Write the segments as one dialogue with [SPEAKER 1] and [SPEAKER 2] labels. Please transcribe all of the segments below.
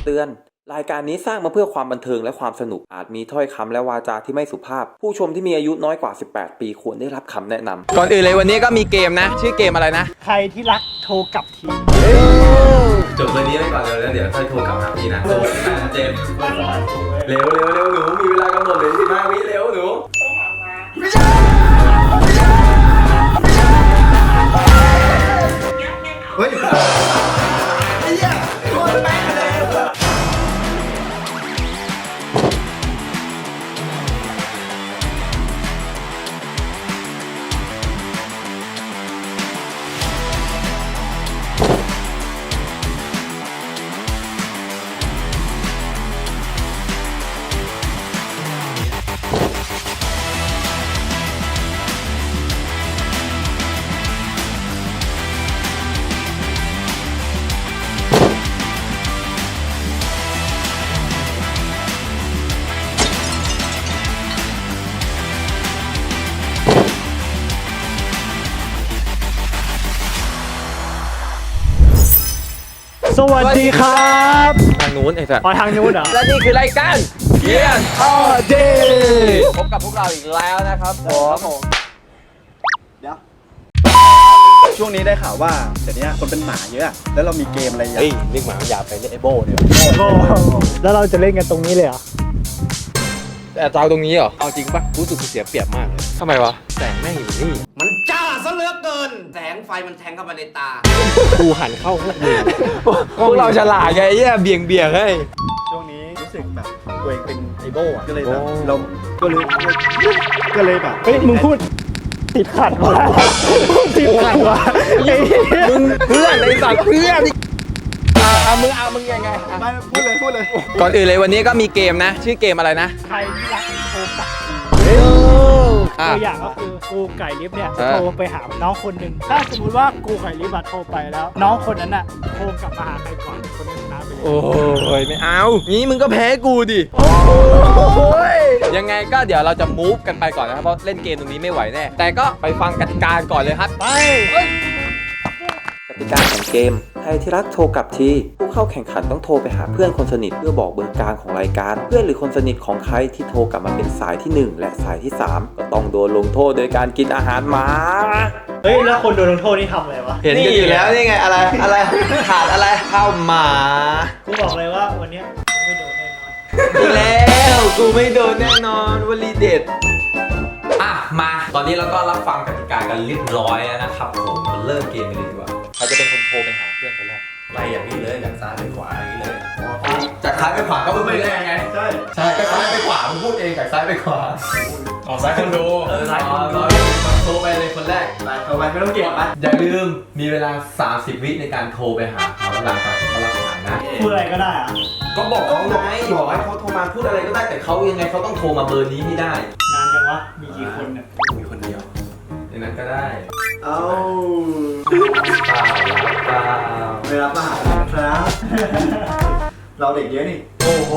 [SPEAKER 1] เตือนรายการนี้สร้างมาเพื่อความบันเทิงและความสนุกอาจมีถ้อยคำและวาจาที่ไม่สุภาพผู้ชมที่มีอายุน้อยกว่า18ปีควรได้รับคำแนะนำก่อนอื่นเลยวันนี้ก็มีเกมนะชื่อเกมอะไรนะ
[SPEAKER 2] ใครที่รักโทรกลับที
[SPEAKER 1] จบเบอร์นี้ไปก่อนเลยแล้วเดี๋ยวค่อยโทรกลับหาพี่นะเจมเร็วหนูมีเวลากำหนดเลย15 วิเร็วหนู
[SPEAKER 3] เฮ้ยไอ้เหี้ยโคตรแม่เลย
[SPEAKER 2] สวัสดีครับ
[SPEAKER 1] ทางนู้นไอ้สัส
[SPEAKER 2] ทางนู้นเหรอ
[SPEAKER 1] และนี่คือรายการเกียร์ออเดย์พบกับพวกเราอีกแล้วนะครับผม
[SPEAKER 3] เดี๋ยวช่วงนี้ได้ข่าวว่าเดี๋ยวนี้คนเป็นหมาเยอะแล้วเรามีเกมอะไรอย่าง
[SPEAKER 1] เรียกหมาอย่าไปเรียกไอโบเดี๋ยว
[SPEAKER 2] แล้วเราจะเล่นกันตรงนี้เลยเหรอ
[SPEAKER 1] แต่เจ้าตรงนี้เหรอ
[SPEAKER 4] เอาจริงปะรู้สึกเสียเปรียบมากเลย
[SPEAKER 1] ทำไมวะ
[SPEAKER 4] แสงแม่งอยู่นี่มันจ้าซะเหลือเกินแสงไฟมันแทงเข้ามาในตากูหันเข้าพวกมึง
[SPEAKER 1] พวกเราฉลาดไงเหี้ยเบี่ยงให้
[SPEAKER 3] ช่วงนี้รู้สึกแบบตัวเองเป็นไอโบก็เลยแบบเราก็เลยแบบ
[SPEAKER 2] เฮ้ยมึงพูดติดขัดว่ะติดขัดว่ะ
[SPEAKER 1] มึงเพื่อนไอ้สัตว์เพื่อนมึงยังไง
[SPEAKER 3] ไม่พูดเลย
[SPEAKER 1] ก่อนอื่นเลยวันนี้ก็มีเกมนะชื่อเกมอะไรนะ
[SPEAKER 2] ใครที่รักโทรกลับตัวอย่างก็คือกูไก่ลิฟเนี่ยโทรไปหาน้องคนหนึ่งถ้าสมมติว่ากูไก่ลิฟโทรไปแล้วน้องคนนั้นน่ะโทรกลับมาหาใครก่อนคนนั้นชนะไปเลย
[SPEAKER 1] โอ้ยไม่เอางี้มึงก็แพ้กูดิยังไงก็เดี๋ยวเราจะมูฟกันไปก่อนนะครับเพราะเล่นเกมตรงนี้ไม่ไหวแน่แต่ก็ไปฟังกติกาก่อนเลยครับ
[SPEAKER 2] ไป
[SPEAKER 1] กติกาของเกมใครที่รักโทรกลับทีผู้เข้าแข่งขันต้องโทรไปหาเพื่อนคนสนิทเพื่อบอกเบอร์กลางของรายการเพื่อนหรือคนสนิทของใครที่โทรกลับมาเป็นสายที่1และสายที่3ก็ต้องโดนลงโทษโดยการกินอาหารหมา
[SPEAKER 2] เฮ้ยแล้วคนโดนลงโทษนี่ทำอะไรวะ
[SPEAKER 1] เห็นกันอยู่แล้วนี่ไงอะไรขาดอะไรข้าวหมา
[SPEAKER 2] กูบอกเลยว่าวันนี้กูไม่โดนแน่นอน
[SPEAKER 1] แล้วกูไม่โดนแน่นอนวลีเด็ดมาตอนนี้เราก็รับฟังกติกากันเรียบร้อยแล้วนะครับผมมาเริ่มเกมกันเลยดีกว่าใครจะเป็นคนโทรไปหาเพื่อนคนแรก
[SPEAKER 4] ไล่อย่างนี้เลยจากซ้ายไปขวาอย่างนี้เลย
[SPEAKER 1] จากซ้ายไปขวาก็มึงไม่ได้ไง
[SPEAKER 3] ใช่
[SPEAKER 1] จากซ้ายไปขวามึงพูดเองจากซ้ายไปขวา
[SPEAKER 4] ออกซ้ายคนดู
[SPEAKER 1] ซ้ายโทรไปเลยคนแรก
[SPEAKER 3] โทรไปไม่ต้องเก็บนะ
[SPEAKER 1] อย่าลืมมีเวลา30 วิในการโทรไปหาเขาหลังจากที่เขารับสายนะ
[SPEAKER 2] พูดอะไรก็ได้อะ
[SPEAKER 1] ก็บอกเขาไงบอกให้เขาโทรมาพูดอะไรก็ได้แต่เขายังไงเขาต้องโทรมาเบอร์นี้ให้ได้
[SPEAKER 2] นานจังวะมีกี่คนเนี่ย
[SPEAKER 4] มีคนเดียว
[SPEAKER 1] อย่างนั้นก็ได้
[SPEAKER 3] เอา
[SPEAKER 1] เปล่า
[SPEAKER 3] ไม่รับมาหาครับเราเด็กเยอะนี่
[SPEAKER 4] โอ้โห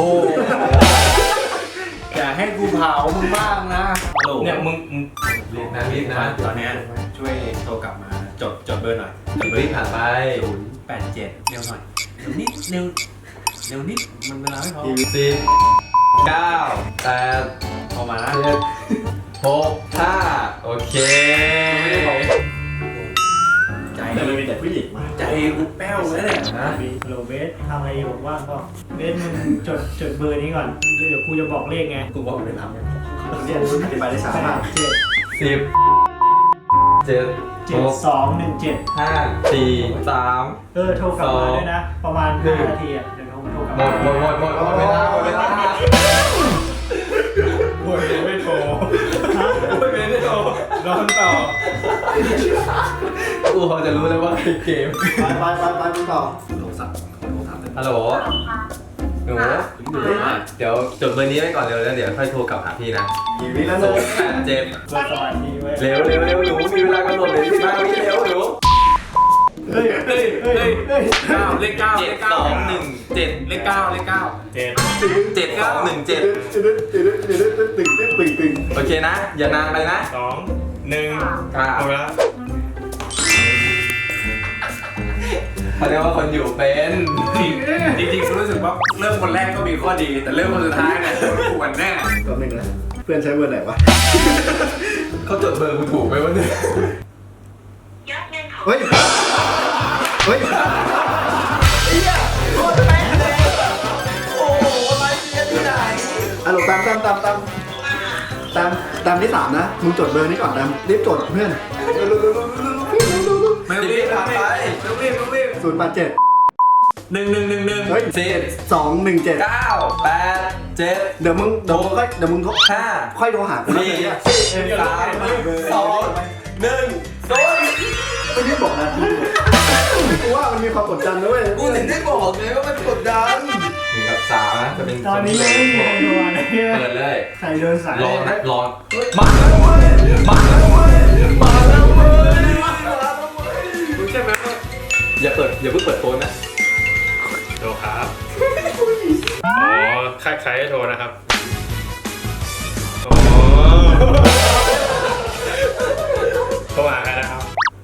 [SPEAKER 4] อยากให้กูเผามึงบ้างนะเนี่ยมึงรีบนะตอนนี้ช่วยโทรกลับมาจดเบอร์หน่อย
[SPEAKER 1] จดเบอร์ผ่านไป
[SPEAKER 4] 087เร็วหน่อยเร็วนิดมันเวลาไม่พอ
[SPEAKER 1] 10 9 8
[SPEAKER 4] พอมานะ
[SPEAKER 1] 7 6 5โอเค
[SPEAKER 3] ใจแต่มันมีแต่ผู้หญิงมา
[SPEAKER 4] ใจกูแป้วเลยเนี่ย
[SPEAKER 2] นะโรเบสทำอะไรอยู่ว่างก็เบสมึงจดเบอร์นี้ก่อนเดี๋ยวกูจะบอกเลขไง
[SPEAKER 4] กูบอกไม่ทำ
[SPEAKER 3] เนี่ยอธิบายได้ช้ามาก
[SPEAKER 1] 10 7
[SPEAKER 2] 7217
[SPEAKER 1] 5 4 3
[SPEAKER 2] โทรกลับมาด้วยนะประมาณ5 นาทีอ่ะเดี๋ยวโทรกลับมา
[SPEAKER 1] หมดเวลา
[SPEAKER 4] ไม่โทรนอนต่อ
[SPEAKER 1] กูพอจะรู้แล้วว่าเกม
[SPEAKER 3] ไปต่อ
[SPEAKER 4] โทรศัพท์
[SPEAKER 1] ฮัลโหลหนูเดี๋ยวจดเบอร์นี้ไว้ก่อนเร็วแล้วเดี๋ยวค่อยโทรกลับหาพี่นะ
[SPEAKER 3] กี่วิแล้วหนู
[SPEAKER 1] เจ็บ
[SPEAKER 2] สวัสดีเว้ย
[SPEAKER 1] เร็วหนูมีเวลากำหนดเลย15 วิเร็วหนู
[SPEAKER 4] เฮ้ยเลข 9
[SPEAKER 1] 7 2 1 7
[SPEAKER 4] เลข 9
[SPEAKER 1] 7 2 1 7โอเคนะอย่านานไปนะ
[SPEAKER 4] 2 1หมดแล้ว
[SPEAKER 5] เขาเรียกว่าคนอยู่เป็น
[SPEAKER 4] จริงๆกูรู้สึกว่าเริ่มคนแรกก็มีข้อดี แต่เริ่มคนสุดท้ายเนี่ยกูวันแน่
[SPEAKER 3] ตัวหนึ่งนะเพื่อนใช้เบอร์ไหนวะ
[SPEAKER 5] เขาจดเบอร์กูถูกไหมวะเนี่ย
[SPEAKER 3] เฮ้ย เฮ้ย ฮัลโหลตามที่3นะ มึงจดเบอร์นี้ก่อนตามรีบจดเพื่อน
[SPEAKER 4] ไม่ต้องรีบผ่านไปต้องรีบ
[SPEAKER 3] 087
[SPEAKER 4] 1
[SPEAKER 3] เฮ้ย
[SPEAKER 5] 10
[SPEAKER 3] 217
[SPEAKER 5] 9 8 7
[SPEAKER 3] เดี๋ยวมึงค่อยโทรหากูนะ
[SPEAKER 5] 4
[SPEAKER 3] เนี่ย
[SPEAKER 5] 3 2 1
[SPEAKER 3] ไม่ได้บอกนะกูว่ามันมีความกดดันด้วย
[SPEAKER 5] กูถึงได้บอกไงว่ามันกดดัน1 กับ 3นะจะเป็น
[SPEAKER 2] ตอนนี้ยังไม่มีใครโทรเลยเนี่ย
[SPEAKER 5] เปิดเลย
[SPEAKER 2] ใครเดินสาย
[SPEAKER 5] รอนะรอมาแล้วเว้ยมาแล้วเว้ยมาแล้วเว้ย
[SPEAKER 4] รู้ใช่ไหมว่า
[SPEAKER 5] อย่าเพิ่งเปิดโฟนนะ
[SPEAKER 4] โทรครับอ๋อใครให้โทรนะครับอ๋อโทรหาใครนะครับ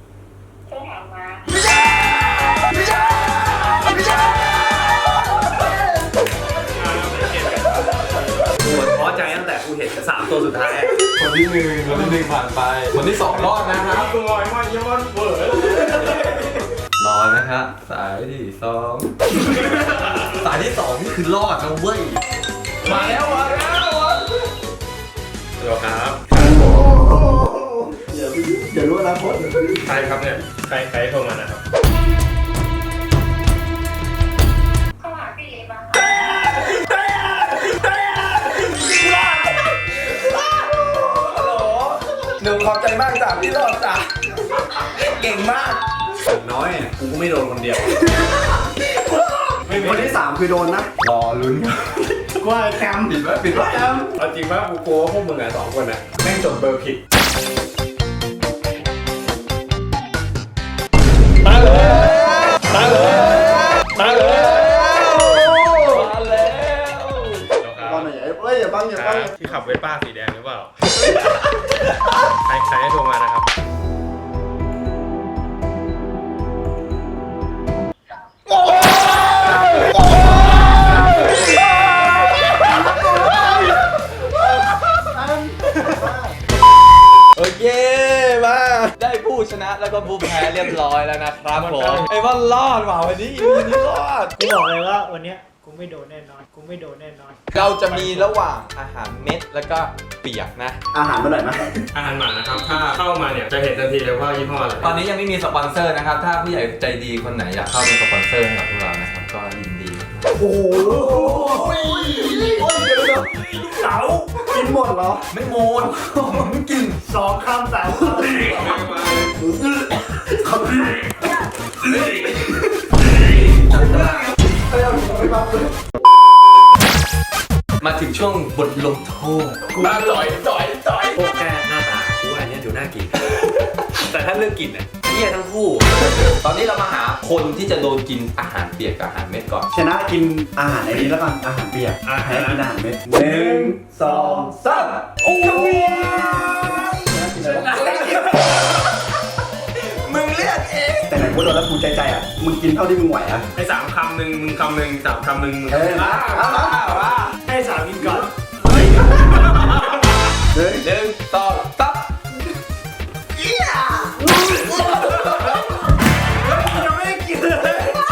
[SPEAKER 4] กูท้อใจตั้งแต่กูเห็น3 ตัวสุดท้าย
[SPEAKER 5] คนที่1ผ่านไปคนที่2รอดนะครับ
[SPEAKER 4] กูลอยมาย้อนเปิด
[SPEAKER 5] รอนะครับสายที่2สายที่2นี่คือรอดนะเว้ยมาแล้ว
[SPEAKER 4] เดี๋ยวครับ
[SPEAKER 3] อย่ารู้อนาคต
[SPEAKER 4] ใครครับเนี่ยใครโทรมานะครับ
[SPEAKER 5] หนุ่มขอบใจมากจ้ะพี่รอดจ้ะเก่งมาก
[SPEAKER 4] น้อยอ่ะกูก็ไม่โดนคนเดียว
[SPEAKER 3] คนที่ 3 คือโดนนะ
[SPEAKER 5] รอลุ้น
[SPEAKER 2] กูว่าแคมป์
[SPEAKER 5] ปิดไว้
[SPEAKER 4] เอาจริงว่ากูกลัวว่าพวกมึงอ่ะ2 คนอ่ะแม่งจดเบอร์ผิดมาเลย
[SPEAKER 3] ตอนไหนเฮ้ยอย่าบัง
[SPEAKER 4] ที่ขับเวสป้าสีแดงหรือเปล่า ใครให้โทรมานะครับ
[SPEAKER 5] โอเคมาได้ผู้ชนะแล้วก็ผู้แพ้เรียบร้อยแล้วนะครับผมไอ้ว่ารอดว่ะวันนี้อีนี้รอด
[SPEAKER 2] กูบอกเลยว่าวันเนี้ยกูไม่โดนแน่นอน
[SPEAKER 5] เราจะมีระหว่างอาหารเม็ดแล้วก็เปียกนะ
[SPEAKER 3] อาหารมาหน่อยไหม
[SPEAKER 4] อาหารหมานะครับ ถ้าเข้ามาเนี่ยจะเห็นทันทีเลยว่ายี่ห้ออะไร
[SPEAKER 5] ตอนนี้ยังไม่มีสปอนเซอร์นะครับ ถ้าผู้ใหญ่ใจดีคนไหนอยากเข้าเป็นสปอนเซอร์ให้กับพวกเรานะครับ ก็ยินดี
[SPEAKER 3] โอ้โหเสากินหมดเหรอ
[SPEAKER 5] ไม่โมนไม่กิน
[SPEAKER 2] 2 คำ 3 คำ
[SPEAKER 5] มาถึงช่วงบทลงโทษมาจ่อย
[SPEAKER 4] พวกแค่หน้าตากูว่าอันเนี้ยดูน่ากิน แต่ถ้าเลือกกินเนี่ยเหี้ยทั้งคู่
[SPEAKER 5] ตอนนี้เรามาหาคนที่จะโดนกินอาหารเปียกกับอาหารเม็ดก่อน
[SPEAKER 3] ชนะกินอาหารไอ้นี้แล้วกันอาหารเปียกแพ้กินอาหารเม็ด1 2 3โอ้ย
[SPEAKER 5] มึงเลือกเอง
[SPEAKER 3] แต่ไหนกูโดนแล้วกูใจอ่ะมึงกินเท่าที่มึงไหวอ่ะ
[SPEAKER 4] ไอ้3 คำหนึ่งมึงคำหนึ่ง3 คำหนึ่งมึง
[SPEAKER 5] มา
[SPEAKER 2] ให้สาวกินก่อน
[SPEAKER 3] เฮ้ย
[SPEAKER 5] 1 2 3
[SPEAKER 2] ยังไม่ได้กินเลย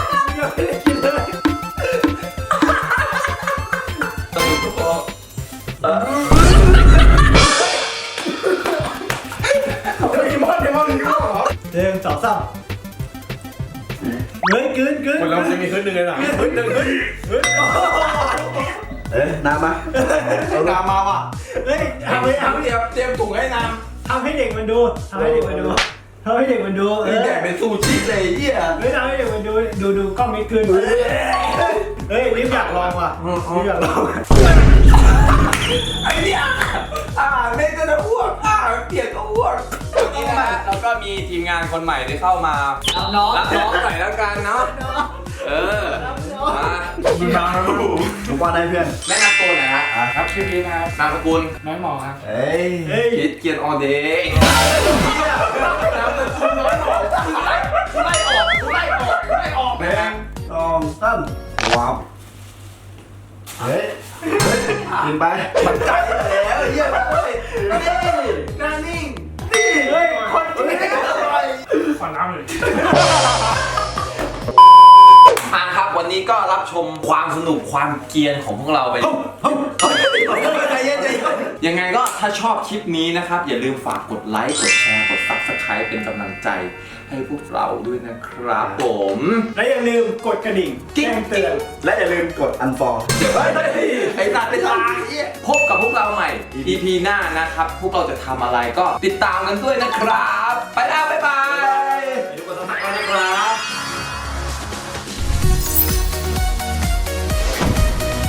[SPEAKER 5] ต้องดูทุกคน
[SPEAKER 2] 1 2 3เฮ้ยกลืน
[SPEAKER 4] คนเราจะมีขึ้นหนึ่งเลยเหรอ
[SPEAKER 3] น้ำมาเอาน้ำมาว่ะ
[SPEAKER 2] เฮ้ยทำให้
[SPEAKER 5] เตรียมถุงให้น้
[SPEAKER 2] ทำให้เด็กมันดูทำให้เด็กมันดู
[SPEAKER 5] ำนี่แดกเป็นซูชิเลยเหี้ย
[SPEAKER 2] เฮ้ยทำให้เด็กมันดูกล้องมิดคืนเฮ้ยลิฟอยากลองว่ะลิฟอยากลอง
[SPEAKER 5] ไอ้เนี่ยอาหารเม็ดก็จะอ้วกอาหารเปียกก็อ้วกวันนี้นะฮะเราก็มีทีมงานคนใหม่ที่เข้ามา
[SPEAKER 2] รับน้อง
[SPEAKER 5] รับน้องหน่อยแล้วกันเนาะมา
[SPEAKER 3] ผมว่าได้เพื่อน
[SPEAKER 5] แนะนำตัวหน่อยฮะ
[SPEAKER 4] ครับชื่อพีนะครับ
[SPEAKER 5] นามสกุล
[SPEAKER 4] น้อยหมอครับ
[SPEAKER 3] เฮ้ย
[SPEAKER 5] คิดเกียนออเดย์นามสกุลน้อยหมอกูไล่ออกได้ออก
[SPEAKER 3] 1 2 3ว้าวเฮ้ยกินไปมันใจแล้วเยี่ยมเลยนี่หน้านิ่งนี่เฮ้ยคนกินอร่อย
[SPEAKER 2] ขอน้ำเลย
[SPEAKER 5] มาครับวันนี้ก็รับชมความสนุกความเกรียนของพวกเราไปใจเย็นใจเย็นยังไงก็ถ้าชอบคลิปนี้นะครับอย่าลืมฝากกดไลค์กดแชร์กด Subscribe เป็นกำลังใจให้พวกเราด้วยนะครับผม
[SPEAKER 2] และอย่าลืมกดกระดิ่งแจ้งเตือน
[SPEAKER 3] และอย่าลืมกด unfollow
[SPEAKER 5] ไอ้ตัดไปตายพบกับพวกเราใหม่ EP หน้านะครับ พวกเราจะทำอะไรก็ติดตามกันด้วยนะครับ ไปแล้วบ๊ายบาย